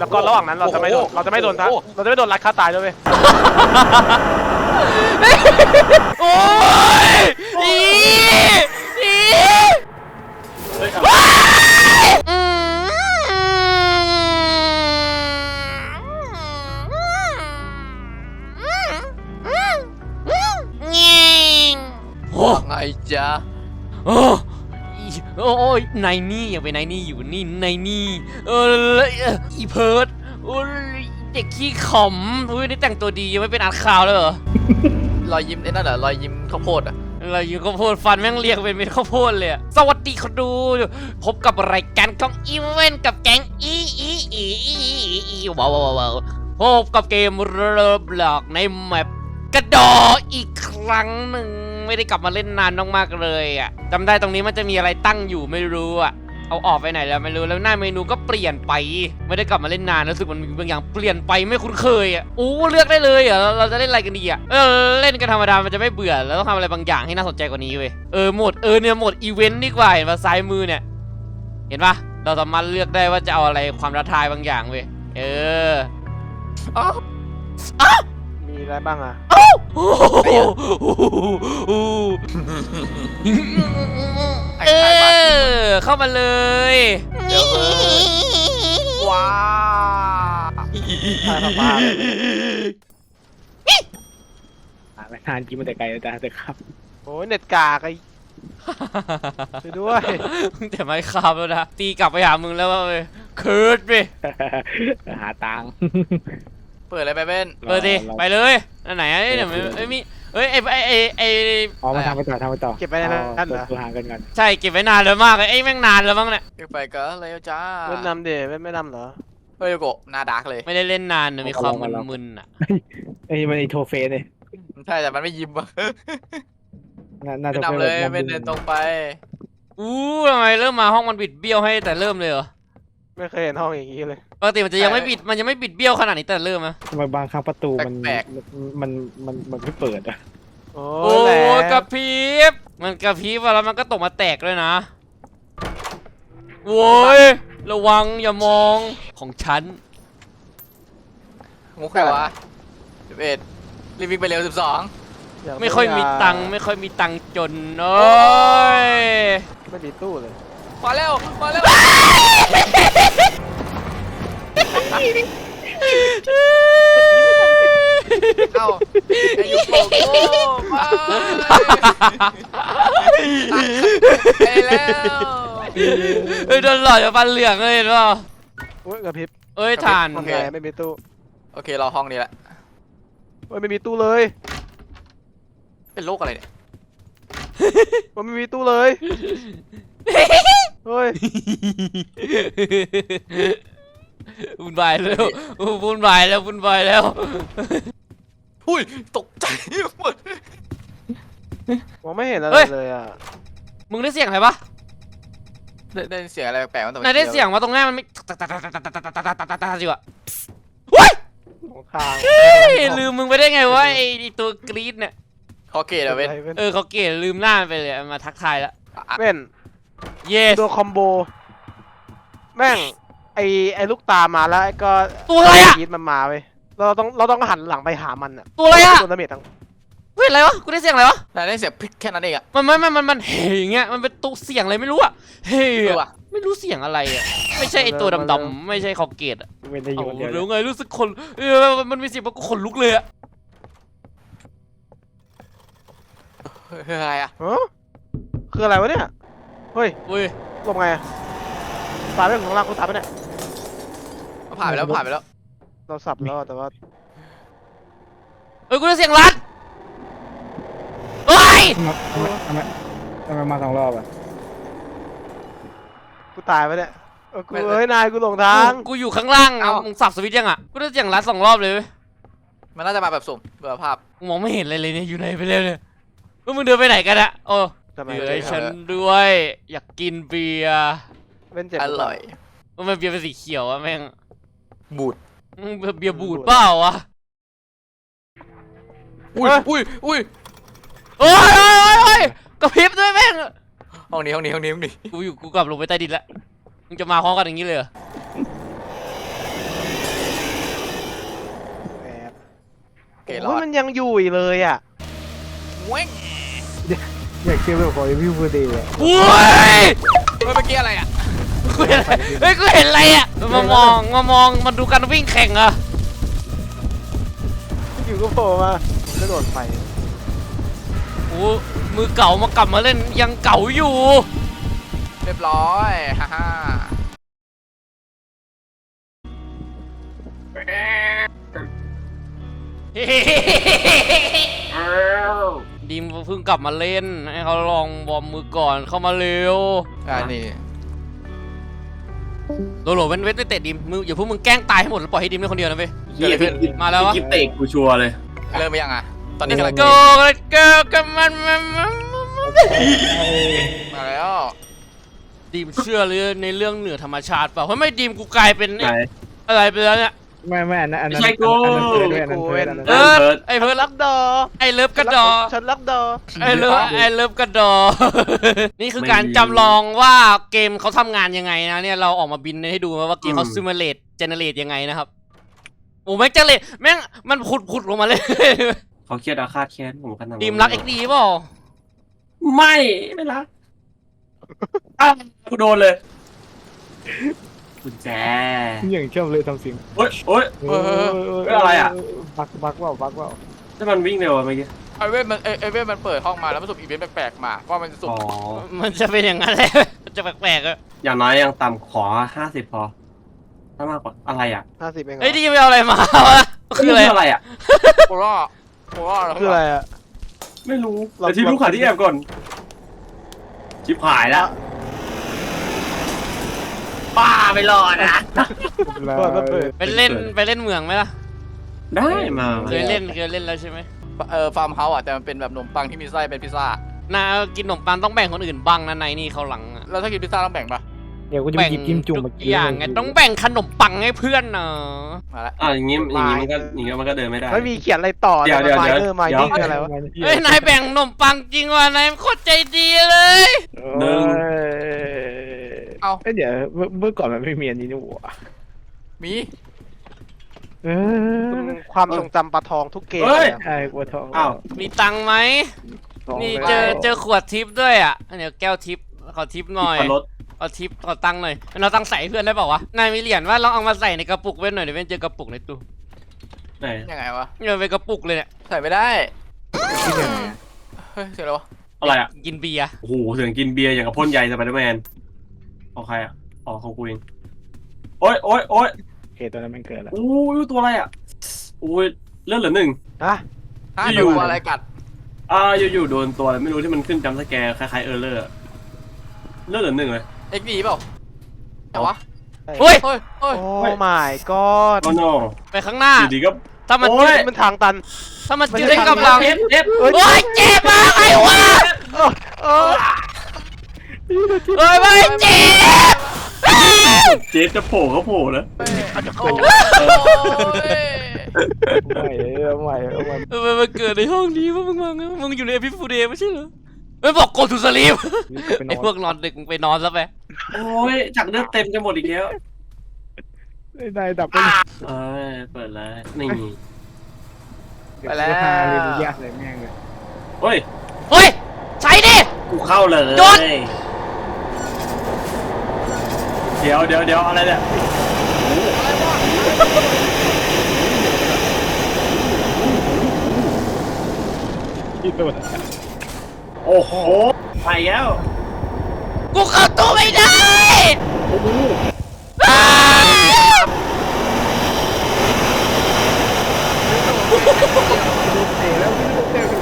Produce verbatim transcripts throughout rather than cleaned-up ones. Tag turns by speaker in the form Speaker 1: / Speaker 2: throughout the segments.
Speaker 1: แล้วก็ระหว่างนั้นเราจะไม่โดนเราจะไม่โดนเราจะไม่โดนรัดฆ่าตายด้วยเว้ย
Speaker 2: โอ้ยอีอี
Speaker 3: ว่าไงจ๊ะ
Speaker 2: โอ้โอ้ยนายนี่อย่าไปนายนี่อยู่นี่นายนี่เอออีเพิร์ดโอ้ยเด็กขี้ขำอุ้ยนี่แต่งตัวดียังไม่เป็นอาร์ตคาวเลยเหรอ
Speaker 3: รอยยิ้มไอ้นั่นเหรอรอยยิ้มข้าวโพดอ่ะ
Speaker 2: อะไรอยู่ข้าวโพดฟันแม่งเรียงเป็นเม็ดข้าวโพดเลยสวัสดีคนดูพบกับรายการของอีเวนต์กับแก๊งอีอีอีอีอีว้าวว้าวว้าวพบกับเกมเริ่มหลอกในแมปกระดออีกครั้งหนึ่งไม่ได้กลับมาเล่นนานมากๆเลยอ่ะจำได้ตรงนี้มันจะมีอะไรตั้งอยู่ไม่รู้อ่ะเอาออกไปไหนแล้วไม่รู้แล้วหน้าเมนูก็เปลี่ยนไปไม่ได้กลับมาเล่นนานรู้สึกมันมีบางอย่างเปลี่ยนไปไม่คุ้นเคยอ่ะโอ้เลือกได้เลยอ่ะเราจะเล่นอะไรกันดีอ่ะเออเล่นกันธรรมดามันจะไม่เบื่อแล้วต้องทำอะไรบางอย่างให้น่าสนใจกว่านี้เว้ยเออโหมดเออเนี่ยโหมดอีเวนต์ดีกว่าเห็นป่ะซ้ายมือเนี่ยเห็นป่ะเราสามารถเลือกได้ว่าจะเอาอะไรความท้าทายบางอย่างเว้ยเอออ๋อ
Speaker 1: มีอะไรบ้างอ่ะ
Speaker 2: เออเข้ามาเลย
Speaker 3: เดี๋ยว
Speaker 1: ว้าอะไรป้า
Speaker 4: ไม่ทานกินมาแต่ไกลแต่แต่ครับ
Speaker 1: โอ้ยเน็ตกากไอ้ช่วยด้วย
Speaker 2: แต่ไม่ขับแล้วนะตีกลับไปหามึงแล้วเว้ยเคิร์ดไป
Speaker 4: หาตังค์
Speaker 3: เปิดอะไรไปเป็น
Speaker 2: เปิดดิไปเลยนั่นไหนเดี๋ยวไม่มีเอ้ยไอไอไอไอ
Speaker 4: อ๋อมาทำไปต่อทำไปต่อ
Speaker 1: เก็บไปนั่นเหรอ
Speaker 4: ตัวห่างกันกัน
Speaker 2: ใช่เก็บไว้นานแล้วมากเลยไอ้แม่งนานแล้วมั้งเนี่ย
Speaker 3: เก็บไปก็เลยจ้า
Speaker 1: เล่นนำเดี๋ยวไม่ไม่นำเหรอ
Speaker 3: เฮ้ยโกหน้าดาร์กเลย
Speaker 2: ไม่ได้เล่นนานมีความมึนๆอ่ะ
Speaker 4: ไอ้มันไอโทเฟสเลย
Speaker 3: ใช่แต่มันไม่ยิ้มอ่ะ
Speaker 4: น่าจะ
Speaker 3: นำเลยเป็นเดินตรงไป
Speaker 2: อู้ทำไมเริ่มมาห้องมันบิดเบี้ยวให้แต่เริ่มเลยเหรอ
Speaker 1: ไม่เคยเห็นห้องอย่างนี้เลย
Speaker 2: ปกติมันจะยังไม่บิดมันยังไม่บิดเบี้ยวขนาดนี้แต่เริ่มนะ
Speaker 4: ทำไมบางครั้งประตูมันมันมันมันไม่เปิดอ่ะ
Speaker 1: โอ้
Speaker 2: ยกระพริบมันกระพริบแล้วมันก็ตกมาแตกเลยนะโว้ยระวังอย่ามองของฉัน
Speaker 3: มุกใครวะสิบเอ็ดรีวิ่งไปเร็วสิบสอง
Speaker 2: ไม่ค่อยมีตังค์ไม่ค่อยมีตังค์จนโอ้ย
Speaker 1: ไม่มีตู้เลย
Speaker 3: มาเร็วมาเร็วเอ้าไอ้ยูโกโก้มาไปแล้ว
Speaker 2: เฮ้ยโดนหลอกจากฟันเหลืองเลยเห็นป่ะ
Speaker 1: โอ้ยกระพริบ
Speaker 2: เอ้ยฐาน
Speaker 1: โอเคไม่มีตู้
Speaker 3: โอเครอห้องนี้แหละ
Speaker 1: โอ้ยไม่มีตู้เลย
Speaker 3: เป็นโรคอะไรเนี่ย
Speaker 1: มันไม่มีตู้เลยเฮ้ย
Speaker 2: วุ่นวายแล้ววุ่นวายแล้ววุ่นวายแล้ว
Speaker 3: หุ้ยตกใจหมด
Speaker 1: มองไม่เห็นอะไรเลยอ่ะ
Speaker 2: มึงได้เสียงอะไรปะ
Speaker 3: ได้เสียงอะไรแปลกๆ
Speaker 2: มันได้เสียงว่าตรงนี้มันไม่ตาตาตาตาตาตาตาตาตาตาสิวะว้ยลืมมึงไปได้ไงวะไอตัวกรีดเนี่ย
Speaker 3: เขาเกลียดอะเว้น
Speaker 2: เออเขาเกลียดลืมหน้าไปเลยมาทักทายแล้ว
Speaker 1: เว้น
Speaker 2: เยส
Speaker 1: ตัวคอมโบแม่งไอไอลูกตามาแล้วก็
Speaker 2: ตัวอะไรอะ
Speaker 1: กรีดมันมาเว้ยเราต้องเราต้องหันหลังไปหามันอะ
Speaker 2: ตัวอะไรอะ
Speaker 1: ตัวดาเมจทั้ง
Speaker 2: เฮ้ยอะไรวะกูได้เสียงอะไรวะ
Speaker 3: แต่ได้เสียงพลิกแค่นั้นเองอะ
Speaker 2: มันไม่มันมันมันเฮ้ยเงี้ยมันเป็นตัวเสียงอะไรไม่รู้อะเฮ้ยไม่รู้เสียงอะไรอะไม่ใช่ไอตัวดำๆไม่ใช่คอเกตอะหรือไงรู้สึกคนเออมันมีเสียงกูขนลุกเลยอะ
Speaker 3: คืออะไรอะ
Speaker 1: คืออะไรวะเนี่ยเฮ้ย
Speaker 2: เฮ้ย
Speaker 1: ลงไงตายไปข้างล่างกูตายไปเนี่ย
Speaker 3: ผ่านไปแล้วผ่านไปแล้ว
Speaker 1: เราสับแล้วแต่ว่า
Speaker 2: เอ้ยกูได้เสียงรัดเฮ้ย
Speaker 4: ทำไมทำไมมาสองรอบอ่ะ
Speaker 1: กูตายไปเนี่ยกูเอ้ยนายกูหลงทาง
Speaker 2: กูอยู่ข้างล่างเอามึงสับสวิตช์ยังอ่ะกูได้เสียงรัดสองรอบเลย
Speaker 3: มันน่าจะมาแบบสุ่มเบื่อภาพ
Speaker 2: มองไม่เห็นอะไรเลยเนี่ยอยู่ไหนไปเลยเนี่ยมึงเดินไปไหนกันอะโอ้เดี๋ยวให้ฉันด้วยอยากกินเบียร์
Speaker 1: เป็นเจ็บ
Speaker 3: อร่อย
Speaker 2: มันเบียร์เป็นสีเขียวอะแม่ง
Speaker 3: บูด
Speaker 2: เบียร์บูดเปล่าวะ
Speaker 3: อุ้ยอุ้ยอุ้ย
Speaker 2: โอ้ยโอ้ยโอ้ยกระพริบด้วยแม่ง
Speaker 3: ห้องนี้ห้องนี้ห้องนี้ห้องนี้
Speaker 2: กูอยู่กูกลับลงไปใต้ดินแล้วมึงจะมาพร้อมกันอย่างนี้เลยเหรอ
Speaker 3: ร
Speaker 1: โอ้
Speaker 3: อย ด
Speaker 1: มันยังอยู่อีกเลยอ่ะ
Speaker 3: เว้ง
Speaker 4: อยากเชื่อแบบของวิวเบอร์เดย์
Speaker 2: โอ้ย
Speaker 3: เฮ้ยเมื่อกี้อะไรอ่ะ
Speaker 2: กูเห็นเฮ้ยกูเห็นอะไรอ่ะมามองมามองมาดูการวิ่งแข่งอะ
Speaker 1: อยู่ก็โผล่มาแล้วโดดไป
Speaker 2: โอ้มือเก่ามากลับมาเล่นยังเก่าอยู่
Speaker 3: เรียบร้อยฮ่าฮ่า
Speaker 2: ดีมเพิ่งกลับมาเล่นให้เขาลองวอร์มมือก่อนเข้ามาเร็ว
Speaker 3: อ่านี่
Speaker 2: โหลโหลเว้นเว้นไปเตะดีมมึงอย่าพวกมึงแกล้งตายให้หมดแล้วปล่อยให้ดีมเล่นคนเดียวนะเว้ย
Speaker 3: เกิดอะไรขึ้น
Speaker 2: มาแล้ววะ
Speaker 5: กิ๊บเตะกูชัวร์เลย
Speaker 3: เริ่มไปยังอ่ะตอนนี้กำลัง
Speaker 2: go let's go กันมันมันมัน
Speaker 3: มาแล้ว
Speaker 2: ดีมเชื่อเลยในเรื่องเหนือธรรมชาติเปล่าเพราะไม่ดีมกูกลายเป็น
Speaker 5: ไหน
Speaker 2: อะไรไปแล้วเนี่ย
Speaker 4: ไม่ไม่อันนั้นอันนั้น
Speaker 5: ไม่ใช่กู
Speaker 4: อันนั้นเพิร์ดด้วยอันนั้นเพิร์ดอันนั้น
Speaker 2: เอ
Speaker 4: เพิร์ด
Speaker 2: อไอเพิร์ด
Speaker 1: รั
Speaker 2: รั
Speaker 1: ก
Speaker 2: ก
Speaker 1: ดอ
Speaker 2: ไอเลิฟกระดอ
Speaker 1: ฉันรักดอ
Speaker 2: ไอเลิฟไอเลิฟกระดอ นี่คือการจำลองว่าเกมเขาทำงานยังไงนะเนี่ยเราออกมาบินให้ดูว่าเกมเขาซิมูเลตเจเนเรตยังไงนะครับโอ้แม่งเจเนเรตแม่งมันผุดผุดลงมาเลย
Speaker 5: เขาเครียดอาฆาตแค้นผมขนาดนั้น
Speaker 2: ดีมรักเอ็กดีเปล่า
Speaker 5: ไม่ไม่รักอ้าวกูโดนเลยกุญแจ
Speaker 4: อย่างชอบเลยทำเสียง
Speaker 5: โอ๊ยโอ๊ย
Speaker 4: เออ
Speaker 5: เฮ้ยอะไรอะ
Speaker 4: บักบักว่าบักว่า
Speaker 5: ถ้ามันวิ่งเร็วอะเมื่อกี้
Speaker 3: ไอเว้นมันไอไอเว้นมันเปิดห้องมาแล้วมันสุ่มอีเวนต์แปลกๆมาว่ามันจะสุ่ม
Speaker 5: อ๋อ
Speaker 2: มันจะเป็นอย่างนั้นแหละ มันจะแปลกๆอะ
Speaker 5: อย่างน้อยยังต่ำขอห้าสิบพอ ถ้ามากกว่าอะไรอ่ะ
Speaker 1: ห้าสิบเองเหร
Speaker 2: เฮ้ย
Speaker 1: อ
Speaker 2: ดีมไปเอาอะไรมาวะคืออะไร
Speaker 5: อะไรอ่ะ
Speaker 3: โคล่าโคล่าแล้ว
Speaker 1: คืออะไรอ่ะ
Speaker 5: ไม่รู้
Speaker 1: เรา
Speaker 5: แต่ที่รู้ขาที่แอบก่อนชิบหายแล้วป้าไม่รอดนะ
Speaker 1: เปิดมาเปิด
Speaker 2: ไปเล่นไปเล่นเมืองไหมล่ะ
Speaker 5: ได้มา
Speaker 2: เคยเล่นเคยเล่นแล้วใช่ไหม
Speaker 3: เออฟาร์มเฮาส์อ่ะแต่มันเป็นแบบขนมปังที่มีไส้เป็นพิซซ่า
Speaker 2: นากินขนมปังต้องแบ่งคนอื่นบ้างนะในนี่เขาหลังอะ
Speaker 3: แล้วถ้ากินพิซซ่าต้องแบ่งปะ
Speaker 4: เดี๋ยวกูจะไปหยิบจิ้มจุ่ม
Speaker 2: ทุ
Speaker 4: มาก กิน
Speaker 2: อย่างไงต้องแบ่งขนมปังให้เพื่อนเนาะ
Speaker 3: มาแล้ว
Speaker 5: อ่ะอย่างงี้อย่างงี้มันก็อย่างงี้มันก็เดินไม่ได้
Speaker 1: ไม่มีเขียนอะไรต่อ
Speaker 5: เดี๋ยวเดี๋ยว
Speaker 1: ไม
Speaker 5: เดี๋ยว
Speaker 1: เนอร์ไม
Speaker 5: เดี๋ยว
Speaker 1: นิ่งคืออะไรวะ
Speaker 2: เฮ้ยนายแบ่งขนมปังจริงว่ะนายโคตรใจดีเลย
Speaker 5: หนึ่ง
Speaker 3: เอา
Speaker 4: เอ้ยเดี๋ยวเมื่อเมื่อก่อนมันไม่มีอันนี้นี่หว่า
Speaker 3: มี
Speaker 4: เออ
Speaker 1: ความทรงจำปลาทองทุกเกม
Speaker 5: เฮ้ย
Speaker 1: เลยอะ
Speaker 4: ใช่กลัวทอง
Speaker 5: อ้าว
Speaker 2: มีตังค์ไหม
Speaker 4: ทอง
Speaker 2: นี่
Speaker 4: ไป
Speaker 2: เจอ
Speaker 4: แล้ว
Speaker 2: เจอขวดทิปด้วยอ่ะเดี๋ยวแก้วทิปขอทิปหน่อย
Speaker 5: ขับรถ
Speaker 2: ขอทิปขอตังค์หน่อยเราตังค์ใส่ให้เพื่อนได้เปล่าวะนายมีเหรียญว่าลองเอามาใส่ในกระปุกเว้นหน่อยเดี๋ยวเว้นเจอกระปุกในตู้
Speaker 5: ไหน
Speaker 3: ยังไงวะ
Speaker 2: เนี่ยเป็นกระปุกเลยเนี่ย
Speaker 3: ใส่ไม่ได้
Speaker 4: ที่ไหน
Speaker 3: เฮ้ยเสียแล้ววะ
Speaker 5: อะไรอ่ะ
Speaker 2: กินเบียร์
Speaker 5: โอ้โหเสียงกินเบียร์อย่างกับพ่นใยสไปเดอร์แมนของใครอ่ะอ๋อของกูเองโอ๊ยโอ๊ยโอ๊ย
Speaker 4: โอเคตัวนั้นมันเกิดแล้ว
Speaker 5: โอ้ยตัวอะไรอ่ะโอ้ยเลือดเหลือหนึ่ง
Speaker 1: ฮะ
Speaker 3: ถ้า
Speaker 5: อยู่
Speaker 3: โดนอะไรกัด
Speaker 5: อ่าอยู่ๆโดนตัวอะไรไม่รู้ที่มันขึ้นจำสแกร์คล้ายๆเออร์เลอร์เลือดเหลือหนึ่งเลย
Speaker 3: เอ็กดีเปล่าแต่วะ
Speaker 2: เฮ้ย
Speaker 3: เฮ้ยเฮ้ย
Speaker 1: โอ้ my god
Speaker 5: โอ้โน
Speaker 2: ไปข้างหน้า
Speaker 5: อยู่ดีก็
Speaker 2: ถ้ามัน
Speaker 5: โอ้ย
Speaker 1: มันทางตัน
Speaker 2: ถ้ามันจืดได้กำลัง
Speaker 5: เอฟเอฟ
Speaker 2: โอ้ยเจ็บมากไอ้วะ
Speaker 1: เออ
Speaker 2: เฮ้ยไม่เจ็บ
Speaker 5: เจฟจะโผล่ก็โผล่นะ
Speaker 3: โอ้ย
Speaker 4: ไม่เอาใหม่เอาใหม่
Speaker 2: เออมันเกิดในห้องนี้ว่ามึงมาไงมึงอยู่ในพิฟูเดย์ไม่ใช่เหรอไม่บอก go to sleep
Speaker 4: ไปน
Speaker 2: ไอ้
Speaker 4: อ
Speaker 2: พวน กนอนดึกมึงไปนอนซะไป
Speaker 5: โอ้ยจากเลือดเต็มจะหมดอีกแล้ว
Speaker 4: ได้ดับไป
Speaker 5: เอ้ยเปิดแล้วนี่
Speaker 4: ไปแล้วเรียนยากเลยแม่งเลย
Speaker 5: เฮ้ย
Speaker 2: เฮ้ยใช้ดิ
Speaker 5: กูเข้าเลย
Speaker 2: โดน
Speaker 5: เดี๋ยวเดี๋ยวเดี๋ยวอะไรเนี่ย
Speaker 4: ที่ตัว
Speaker 5: โอ้โหไปแล้ว
Speaker 2: กูเข้าตู้ไม่ได้อ้าว
Speaker 4: เตะแล้วเตะ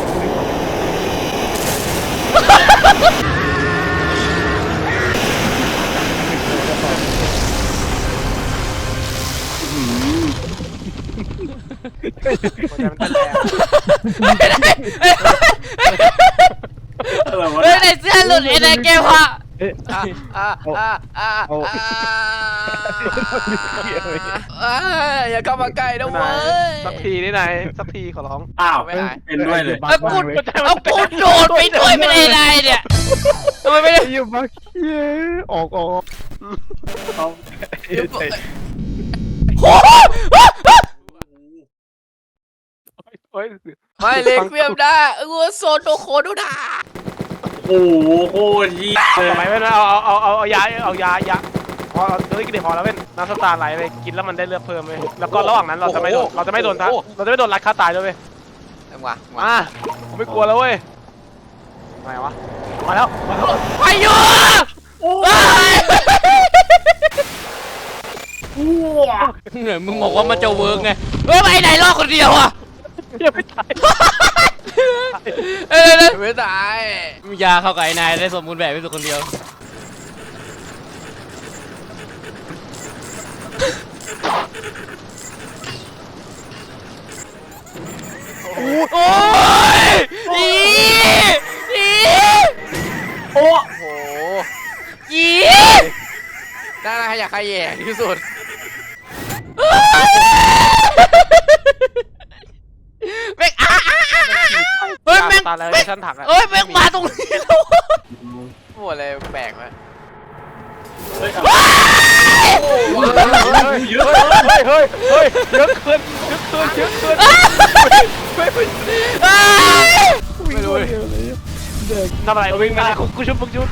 Speaker 1: หัวใจมันเต้นแรง
Speaker 5: อะไรวะ
Speaker 2: เฮ้ยในเสื้อหลุดไอ้นายแก้วอะ
Speaker 4: เอ๊ะ
Speaker 3: อ่ะอ่ะอ่ะอ่ะ
Speaker 4: เอา
Speaker 3: อ่ะอ่ะอย่าเข้ามาใกล้นะเว้ย
Speaker 1: สักทีนี่นายสักทีขอร้อง
Speaker 5: อ้าว
Speaker 3: ไม่หาย
Speaker 5: เป็นด้วยเลย
Speaker 2: เอากูเอากูโดดไปด้วยไม่ได้ไรเนี่ยทำไมไม่ได้
Speaker 4: อยู่มาเย้ออกออก
Speaker 5: เขา
Speaker 2: โอ้โห
Speaker 1: เฮ้ย
Speaker 3: ไม่เล็กเวียมได้เออโซโตโคโดดา
Speaker 5: โอ้โหโคตรเหี้ยเลย
Speaker 1: ทำไมเว้นเอาเอาเอาเอาเอายาเอายายาพอเฮ้ยกินเดี๋ยวพอแล้วเว้นน้ำสตาร์ไหลไปกินแล้วมันได้เลือดเพิ่มเลยแล้วก็ระหว่างนั้นเราจะไม่โดนเราจะไม่โดนทัเราจะไม่โดนรัดฆ่าตายด้วยเว้ย
Speaker 3: จังหวะ
Speaker 1: มาผมไม่กลัวแล้วเว้ยมาวะมาแล้วมาแล้ว
Speaker 2: ไปอยู่เหนื่อยมึงบอกว่ามันจะเวิร์กไงเฮ้ยไปไหนรอดคนเดียวอ่ะ
Speaker 1: ยังไม่ตาย
Speaker 2: เอ้ย
Speaker 3: ไม่ตาย
Speaker 2: มียาเข้ากับไอ้นายได้สมบูรณ์แบบที่สุดคนเดียวโอ้ยอีอี
Speaker 3: โอ้โห
Speaker 2: อี
Speaker 3: น่าขยะแขยงที่สุด
Speaker 2: แม่งอ่ะอ่ะอ่ะเฮ้ยแม่ง
Speaker 1: ตายแล้ว
Speaker 2: แม่ง
Speaker 1: ชั้นถังอะ
Speaker 2: เฮ้ยแม่งมาตรงนี้แล้ว
Speaker 3: โอ้อะไรแปลกไหม
Speaker 5: เฮ้ย
Speaker 1: เยอะเฮ้ยเฮ้ยเฮ้ยเยอะเกินเยอะเกินเยอะเกินไม่ไม่
Speaker 3: ไม่รู้เลย
Speaker 1: ทำอะไรวิ่งมากูกูชุบมึงชุบ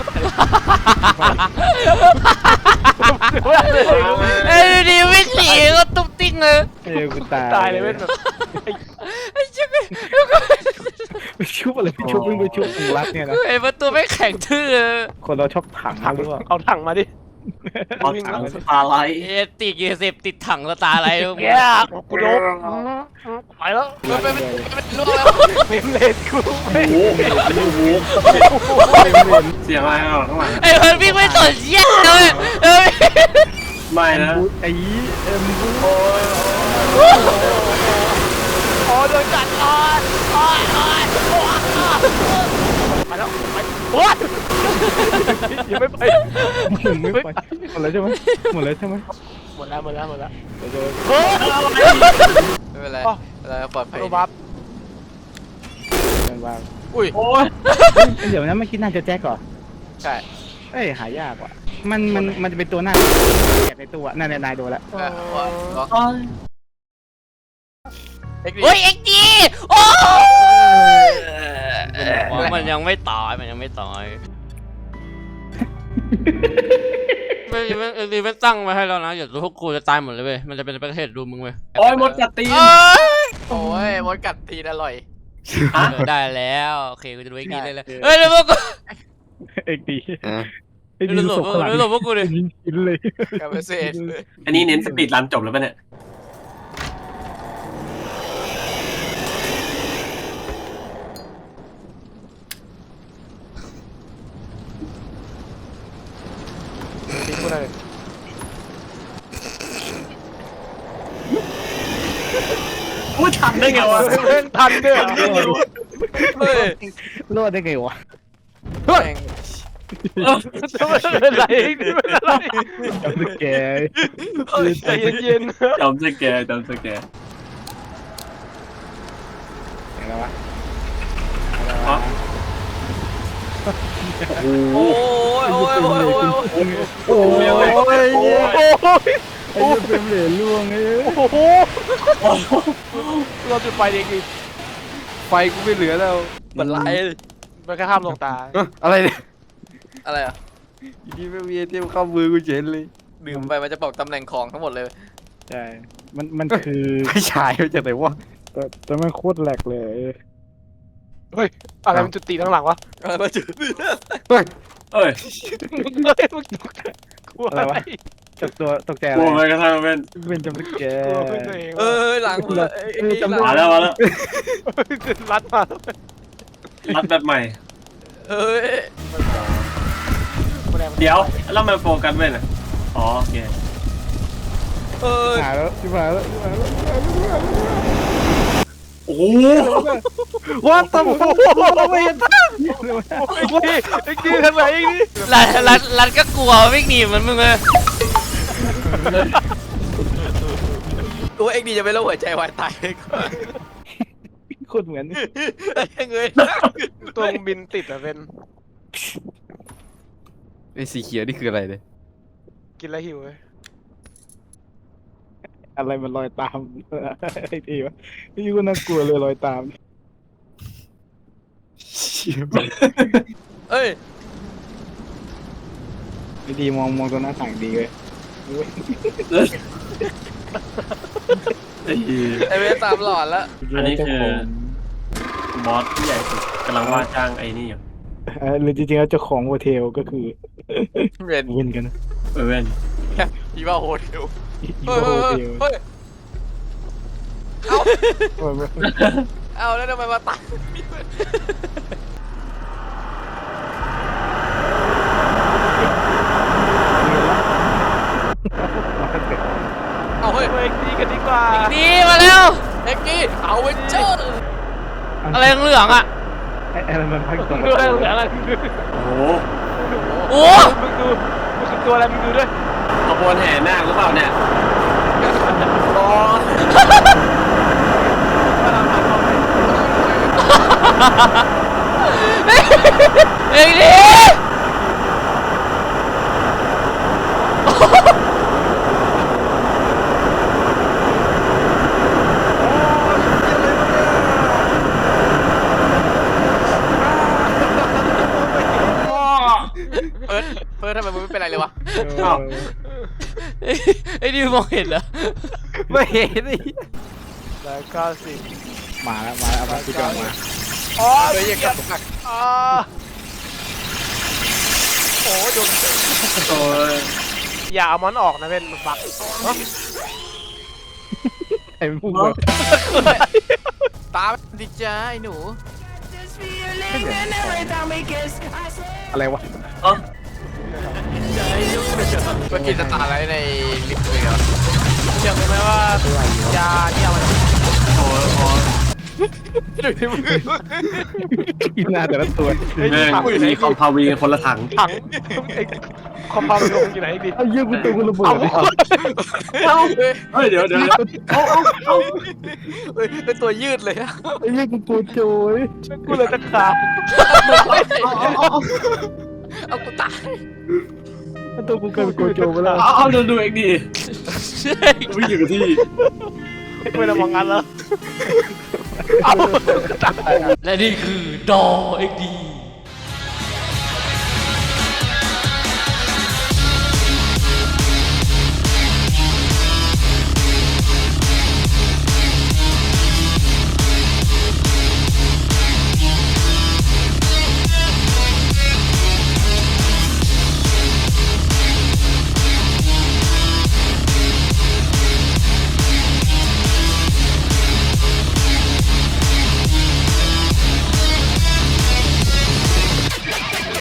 Speaker 2: เอ้ยดีวิ่งหนีก็ตุ๊บติ๊งเลย
Speaker 4: เออกูตาย
Speaker 1: ตายเลยเว้ยแบบ
Speaker 2: ไอ้ชิบ
Speaker 4: ไปชุบอะไรไปชุบวิ่งไปชุบมึงรักเนี่ยนะ
Speaker 2: ไอ้ประตูไม่แข็งทื่อ
Speaker 4: คนเราชอบถังหรือเปล่า
Speaker 1: เอาถังมาดิ
Speaker 5: เอาถังสตาร์ไลท์
Speaker 2: เอติกยาเสพติดถังสตาร์อะไร
Speaker 1: แย่กูโดนไปแล้ว
Speaker 3: มันเป็นเป็นลูกแล้ว
Speaker 1: เมมเลนกู
Speaker 5: โอ้โหโอ้โหเสียงอะไรอ่ะข้างหลัง
Speaker 2: ไอ้เพิ่นวิ่งไม่สนเหี้ยเลยเอ้ย
Speaker 5: ไม่นะ
Speaker 4: ไอ้เอ็มบู
Speaker 1: อ๋อโดนกัดอ๋ออ๋ออ๋อไปแล้วไปโอ๊ยยังไม่ไป
Speaker 4: มึงไม่ไปหมดแล้วใช่ไหมหมดแล้วใช่ไหม
Speaker 1: หมดแล้วหมดแล้วหมดแล้ว
Speaker 4: เดี๋ยวเดี๋ยว
Speaker 1: เฮ้ย
Speaker 3: ไม่เป็นไรเราปลอดภัย
Speaker 1: โรบับ
Speaker 4: เดินวาง
Speaker 3: อุ้ย
Speaker 5: โอ้ย
Speaker 4: เดี๋ยวนะเมื่อกี้น่าจะแจ็คก่อน
Speaker 3: ใช่
Speaker 4: เอ้ยหายากว่ะมันมันมันจะเป็นตัวหน้าแกะในตัวนั่นนายโดนแล้ว
Speaker 3: เออล็อก
Speaker 5: โอ้ย
Speaker 3: เอ็กซ์
Speaker 2: เฮ้ยเอ็กดีโอ้มันยังไม่ตายมันยังไม่ตายไม่ไม่เอลีมันตั้งมาให้แล้วนะอย่าพวกกูจะตายหมดเลยเว้ยมันจะเป็นประเทศดูมึงเว้ย
Speaker 5: โอ้ยมดกัดตีน
Speaker 3: โอ้ยมดกัดตีนอร่อย
Speaker 5: ฮะ
Speaker 2: ได้แล้วโอเคกูจะดูเอ็กดีได้เลยเฮ้ยเดี๋ยวพวกกู
Speaker 4: เอ็กดีไอ้
Speaker 2: ดู
Speaker 4: ดี
Speaker 2: หล
Speaker 4: ศ
Speaker 2: บ
Speaker 4: พข้างหลัง
Speaker 2: ดูหลบพวกกูดิ
Speaker 4: ยิงกินเลย
Speaker 3: กาเบเซต
Speaker 5: อันนี้เน้นสปีดรันจบแล้วป่ะเนี่ย
Speaker 1: ทิ้งกูเลย
Speaker 5: อุ้ยทันได้ไงวะ
Speaker 1: เล่นทันด้วย
Speaker 3: เฮ้ย
Speaker 4: รอดได้ไงวะ
Speaker 3: แม่ง
Speaker 1: ไม่เป็นไรไม่เป็นไร
Speaker 4: จำสแกร์
Speaker 1: ใจเย็น
Speaker 5: จำสแกร์จำสแกร์
Speaker 4: อย่างไรวะ
Speaker 5: อ๋อ
Speaker 3: โอ้ยโอ้ยโอ้ยโอ้ย
Speaker 4: โอ้ย
Speaker 1: ๆโอ้ยโอ้ย
Speaker 4: ไอ้เหี้ยเป็นเหรียญล่วงไอ้
Speaker 1: โอ้โหเราจุดไฟเองอีก
Speaker 3: ไฟกูไม่เหลือแล้วมันไหล
Speaker 1: มันแค่ข้ามลงตา
Speaker 3: อะไรเนี่ยอะไรอ่ะดีไม่มีเทียมเข้ามือกูเฉยเลยดื่มไปมันจะบอกตำแหน่งของทั้งหมดเลย
Speaker 4: ใช่มันมันคือ
Speaker 3: ไม่ใช่ไม่ใช่ไหนวะ
Speaker 4: แต่แต่มันโคตรแหลกเลย
Speaker 1: เฮ้ยอะไรมันจุดตีข้างหลังวะ
Speaker 3: อะไรจุด
Speaker 5: เอ้ย
Speaker 1: เฮ้ยมึงตกใจกลัวอะไร
Speaker 4: ตกตัวตกใจอะ
Speaker 5: กลัว
Speaker 4: ไร
Speaker 5: ไปกระทั่งเป็น
Speaker 4: เป็นจำสแก
Speaker 1: กลัว
Speaker 4: ร์
Speaker 1: เพื่อนตัวเอง
Speaker 3: เออหลังเลย
Speaker 5: มาแล้วมาแล้ว
Speaker 1: รัดมา
Speaker 5: รัดแบบใหม่
Speaker 3: เฮ้ย
Speaker 5: เดี๋ยวแล้วมันโฟกัสเว้นอ่ะอ๋อโอเค
Speaker 3: เฮ้ย
Speaker 4: หายแล้วชิบหายแล้วชิบหายแล้ว
Speaker 5: โอ้โห
Speaker 4: ว่าตำรวจไม่เห็น
Speaker 1: ไอ้กี้ไอ้กี้ทำไมไอ้นี่
Speaker 2: รันรันรันก็กลัววิ่งหนีเหมือนมึงเลย
Speaker 3: ตัวเอ็กดีจะเป็นโรคหัวใจวายตายก่อน
Speaker 4: โคตรเหมือน
Speaker 3: เงย
Speaker 1: ตัวบินติดอะเป็น
Speaker 3: ไอ้สีเขียวนี่คืออะไรเนี่ย
Speaker 1: กินแล้วหิวเลย
Speaker 4: อะไรมันลอยตามไอ้ทีวะนี่ก็น่ากลัวเลยลอยตามเชี่ย
Speaker 3: เอ้ย
Speaker 4: ไอ้ดีมองมองตัวหน้าต่างดีเลย
Speaker 5: ไอ้เหี้ย
Speaker 3: ไอเวสสามหลอดแล้ว
Speaker 5: อันนี้คือบอสที่ใหญ่สุดกำลังว่าจ้างไอ้นี่อยู่
Speaker 4: เออหรือจริงๆแล้วเจ้าของโฮเทลก็คือ
Speaker 3: เวน
Speaker 4: เว้นกันนะ
Speaker 5: เออเว้น
Speaker 3: อีว่าโฮเทล
Speaker 4: อี
Speaker 3: เฮ้ย
Speaker 4: โฮเทล
Speaker 3: เฮ้ยเอา
Speaker 4: เออ
Speaker 3: เอาแล้วทำไมมาตายเอาเฮ้ย
Speaker 1: เฮ้ยดีกันดีกว่า
Speaker 2: ดีมาแล้ว
Speaker 3: เอ็กกี้เอาเวนเจอร์
Speaker 2: อะไรเหลืองๆอ่ะ
Speaker 4: ไอ้ไอ้มันพักตรง
Speaker 1: ดูอะไรเหลืออะไรมึงดู
Speaker 5: โอ้โห
Speaker 2: โอ้
Speaker 1: มึงดูมึงคือตัวอะไรมึงดูด้วย
Speaker 5: ขบวนแห่นาคหรือเปล่าเนี่ย
Speaker 3: รอ
Speaker 2: เอ็งดิ
Speaker 3: เฟิร์สเฟิร์สทำไมมึงไม่เป็นไรเลยวะ
Speaker 5: อ้าว
Speaker 2: ไอ้ดิวมองเห็นเหรอ
Speaker 4: ไม่เห็นดิ
Speaker 1: แล้วก็สิ
Speaker 4: มาแล้วมาแล้วเอามาพี่จอมา
Speaker 1: อ๋อ
Speaker 3: เฮ้ยยังกับหัก
Speaker 1: อ๋อโอ้โดน
Speaker 5: โอ้ย
Speaker 1: อย่าเอามันออกนะเป็นบัก
Speaker 4: ไอ้พวกเรา
Speaker 3: ตามดิจ้าไอ้หนู
Speaker 4: อะไรวะ
Speaker 5: เอ้า
Speaker 3: เมื่อกี้จะตาอะไรในลิฟต์เลยเหรอ
Speaker 1: เชื่อไหมว่ายาเนี่ยมัน
Speaker 5: โอ้ยโอ้ย
Speaker 4: กินหน้าแต่ละตัว
Speaker 5: แม่งมีคอมพาวีกันคนละถัง
Speaker 1: ถังไอ้คอมพาวด์ลงอยู่ไหนดิ
Speaker 4: เอาเยี่ยกูตัวกูระเบิดเลย
Speaker 5: เฮ้ยเดี๋ยวเดี๋ยวเอาเอาเอา
Speaker 3: เฮ้ยเป็นตัวยืดเลยอะ
Speaker 4: ไอ้เยี่ยกูตัวโจย
Speaker 1: กูเลยจะขาด
Speaker 3: เอากูตาย
Speaker 4: ตัวกูกลายเป็นโกโจไปแล้ว
Speaker 5: เอาเอาดูดูเองดิ
Speaker 2: ใช่
Speaker 5: วิ่งอยู่กับที่
Speaker 1: ไม่ได้มองงั้นแล้ว
Speaker 2: และนี่คือดอเอ็กดี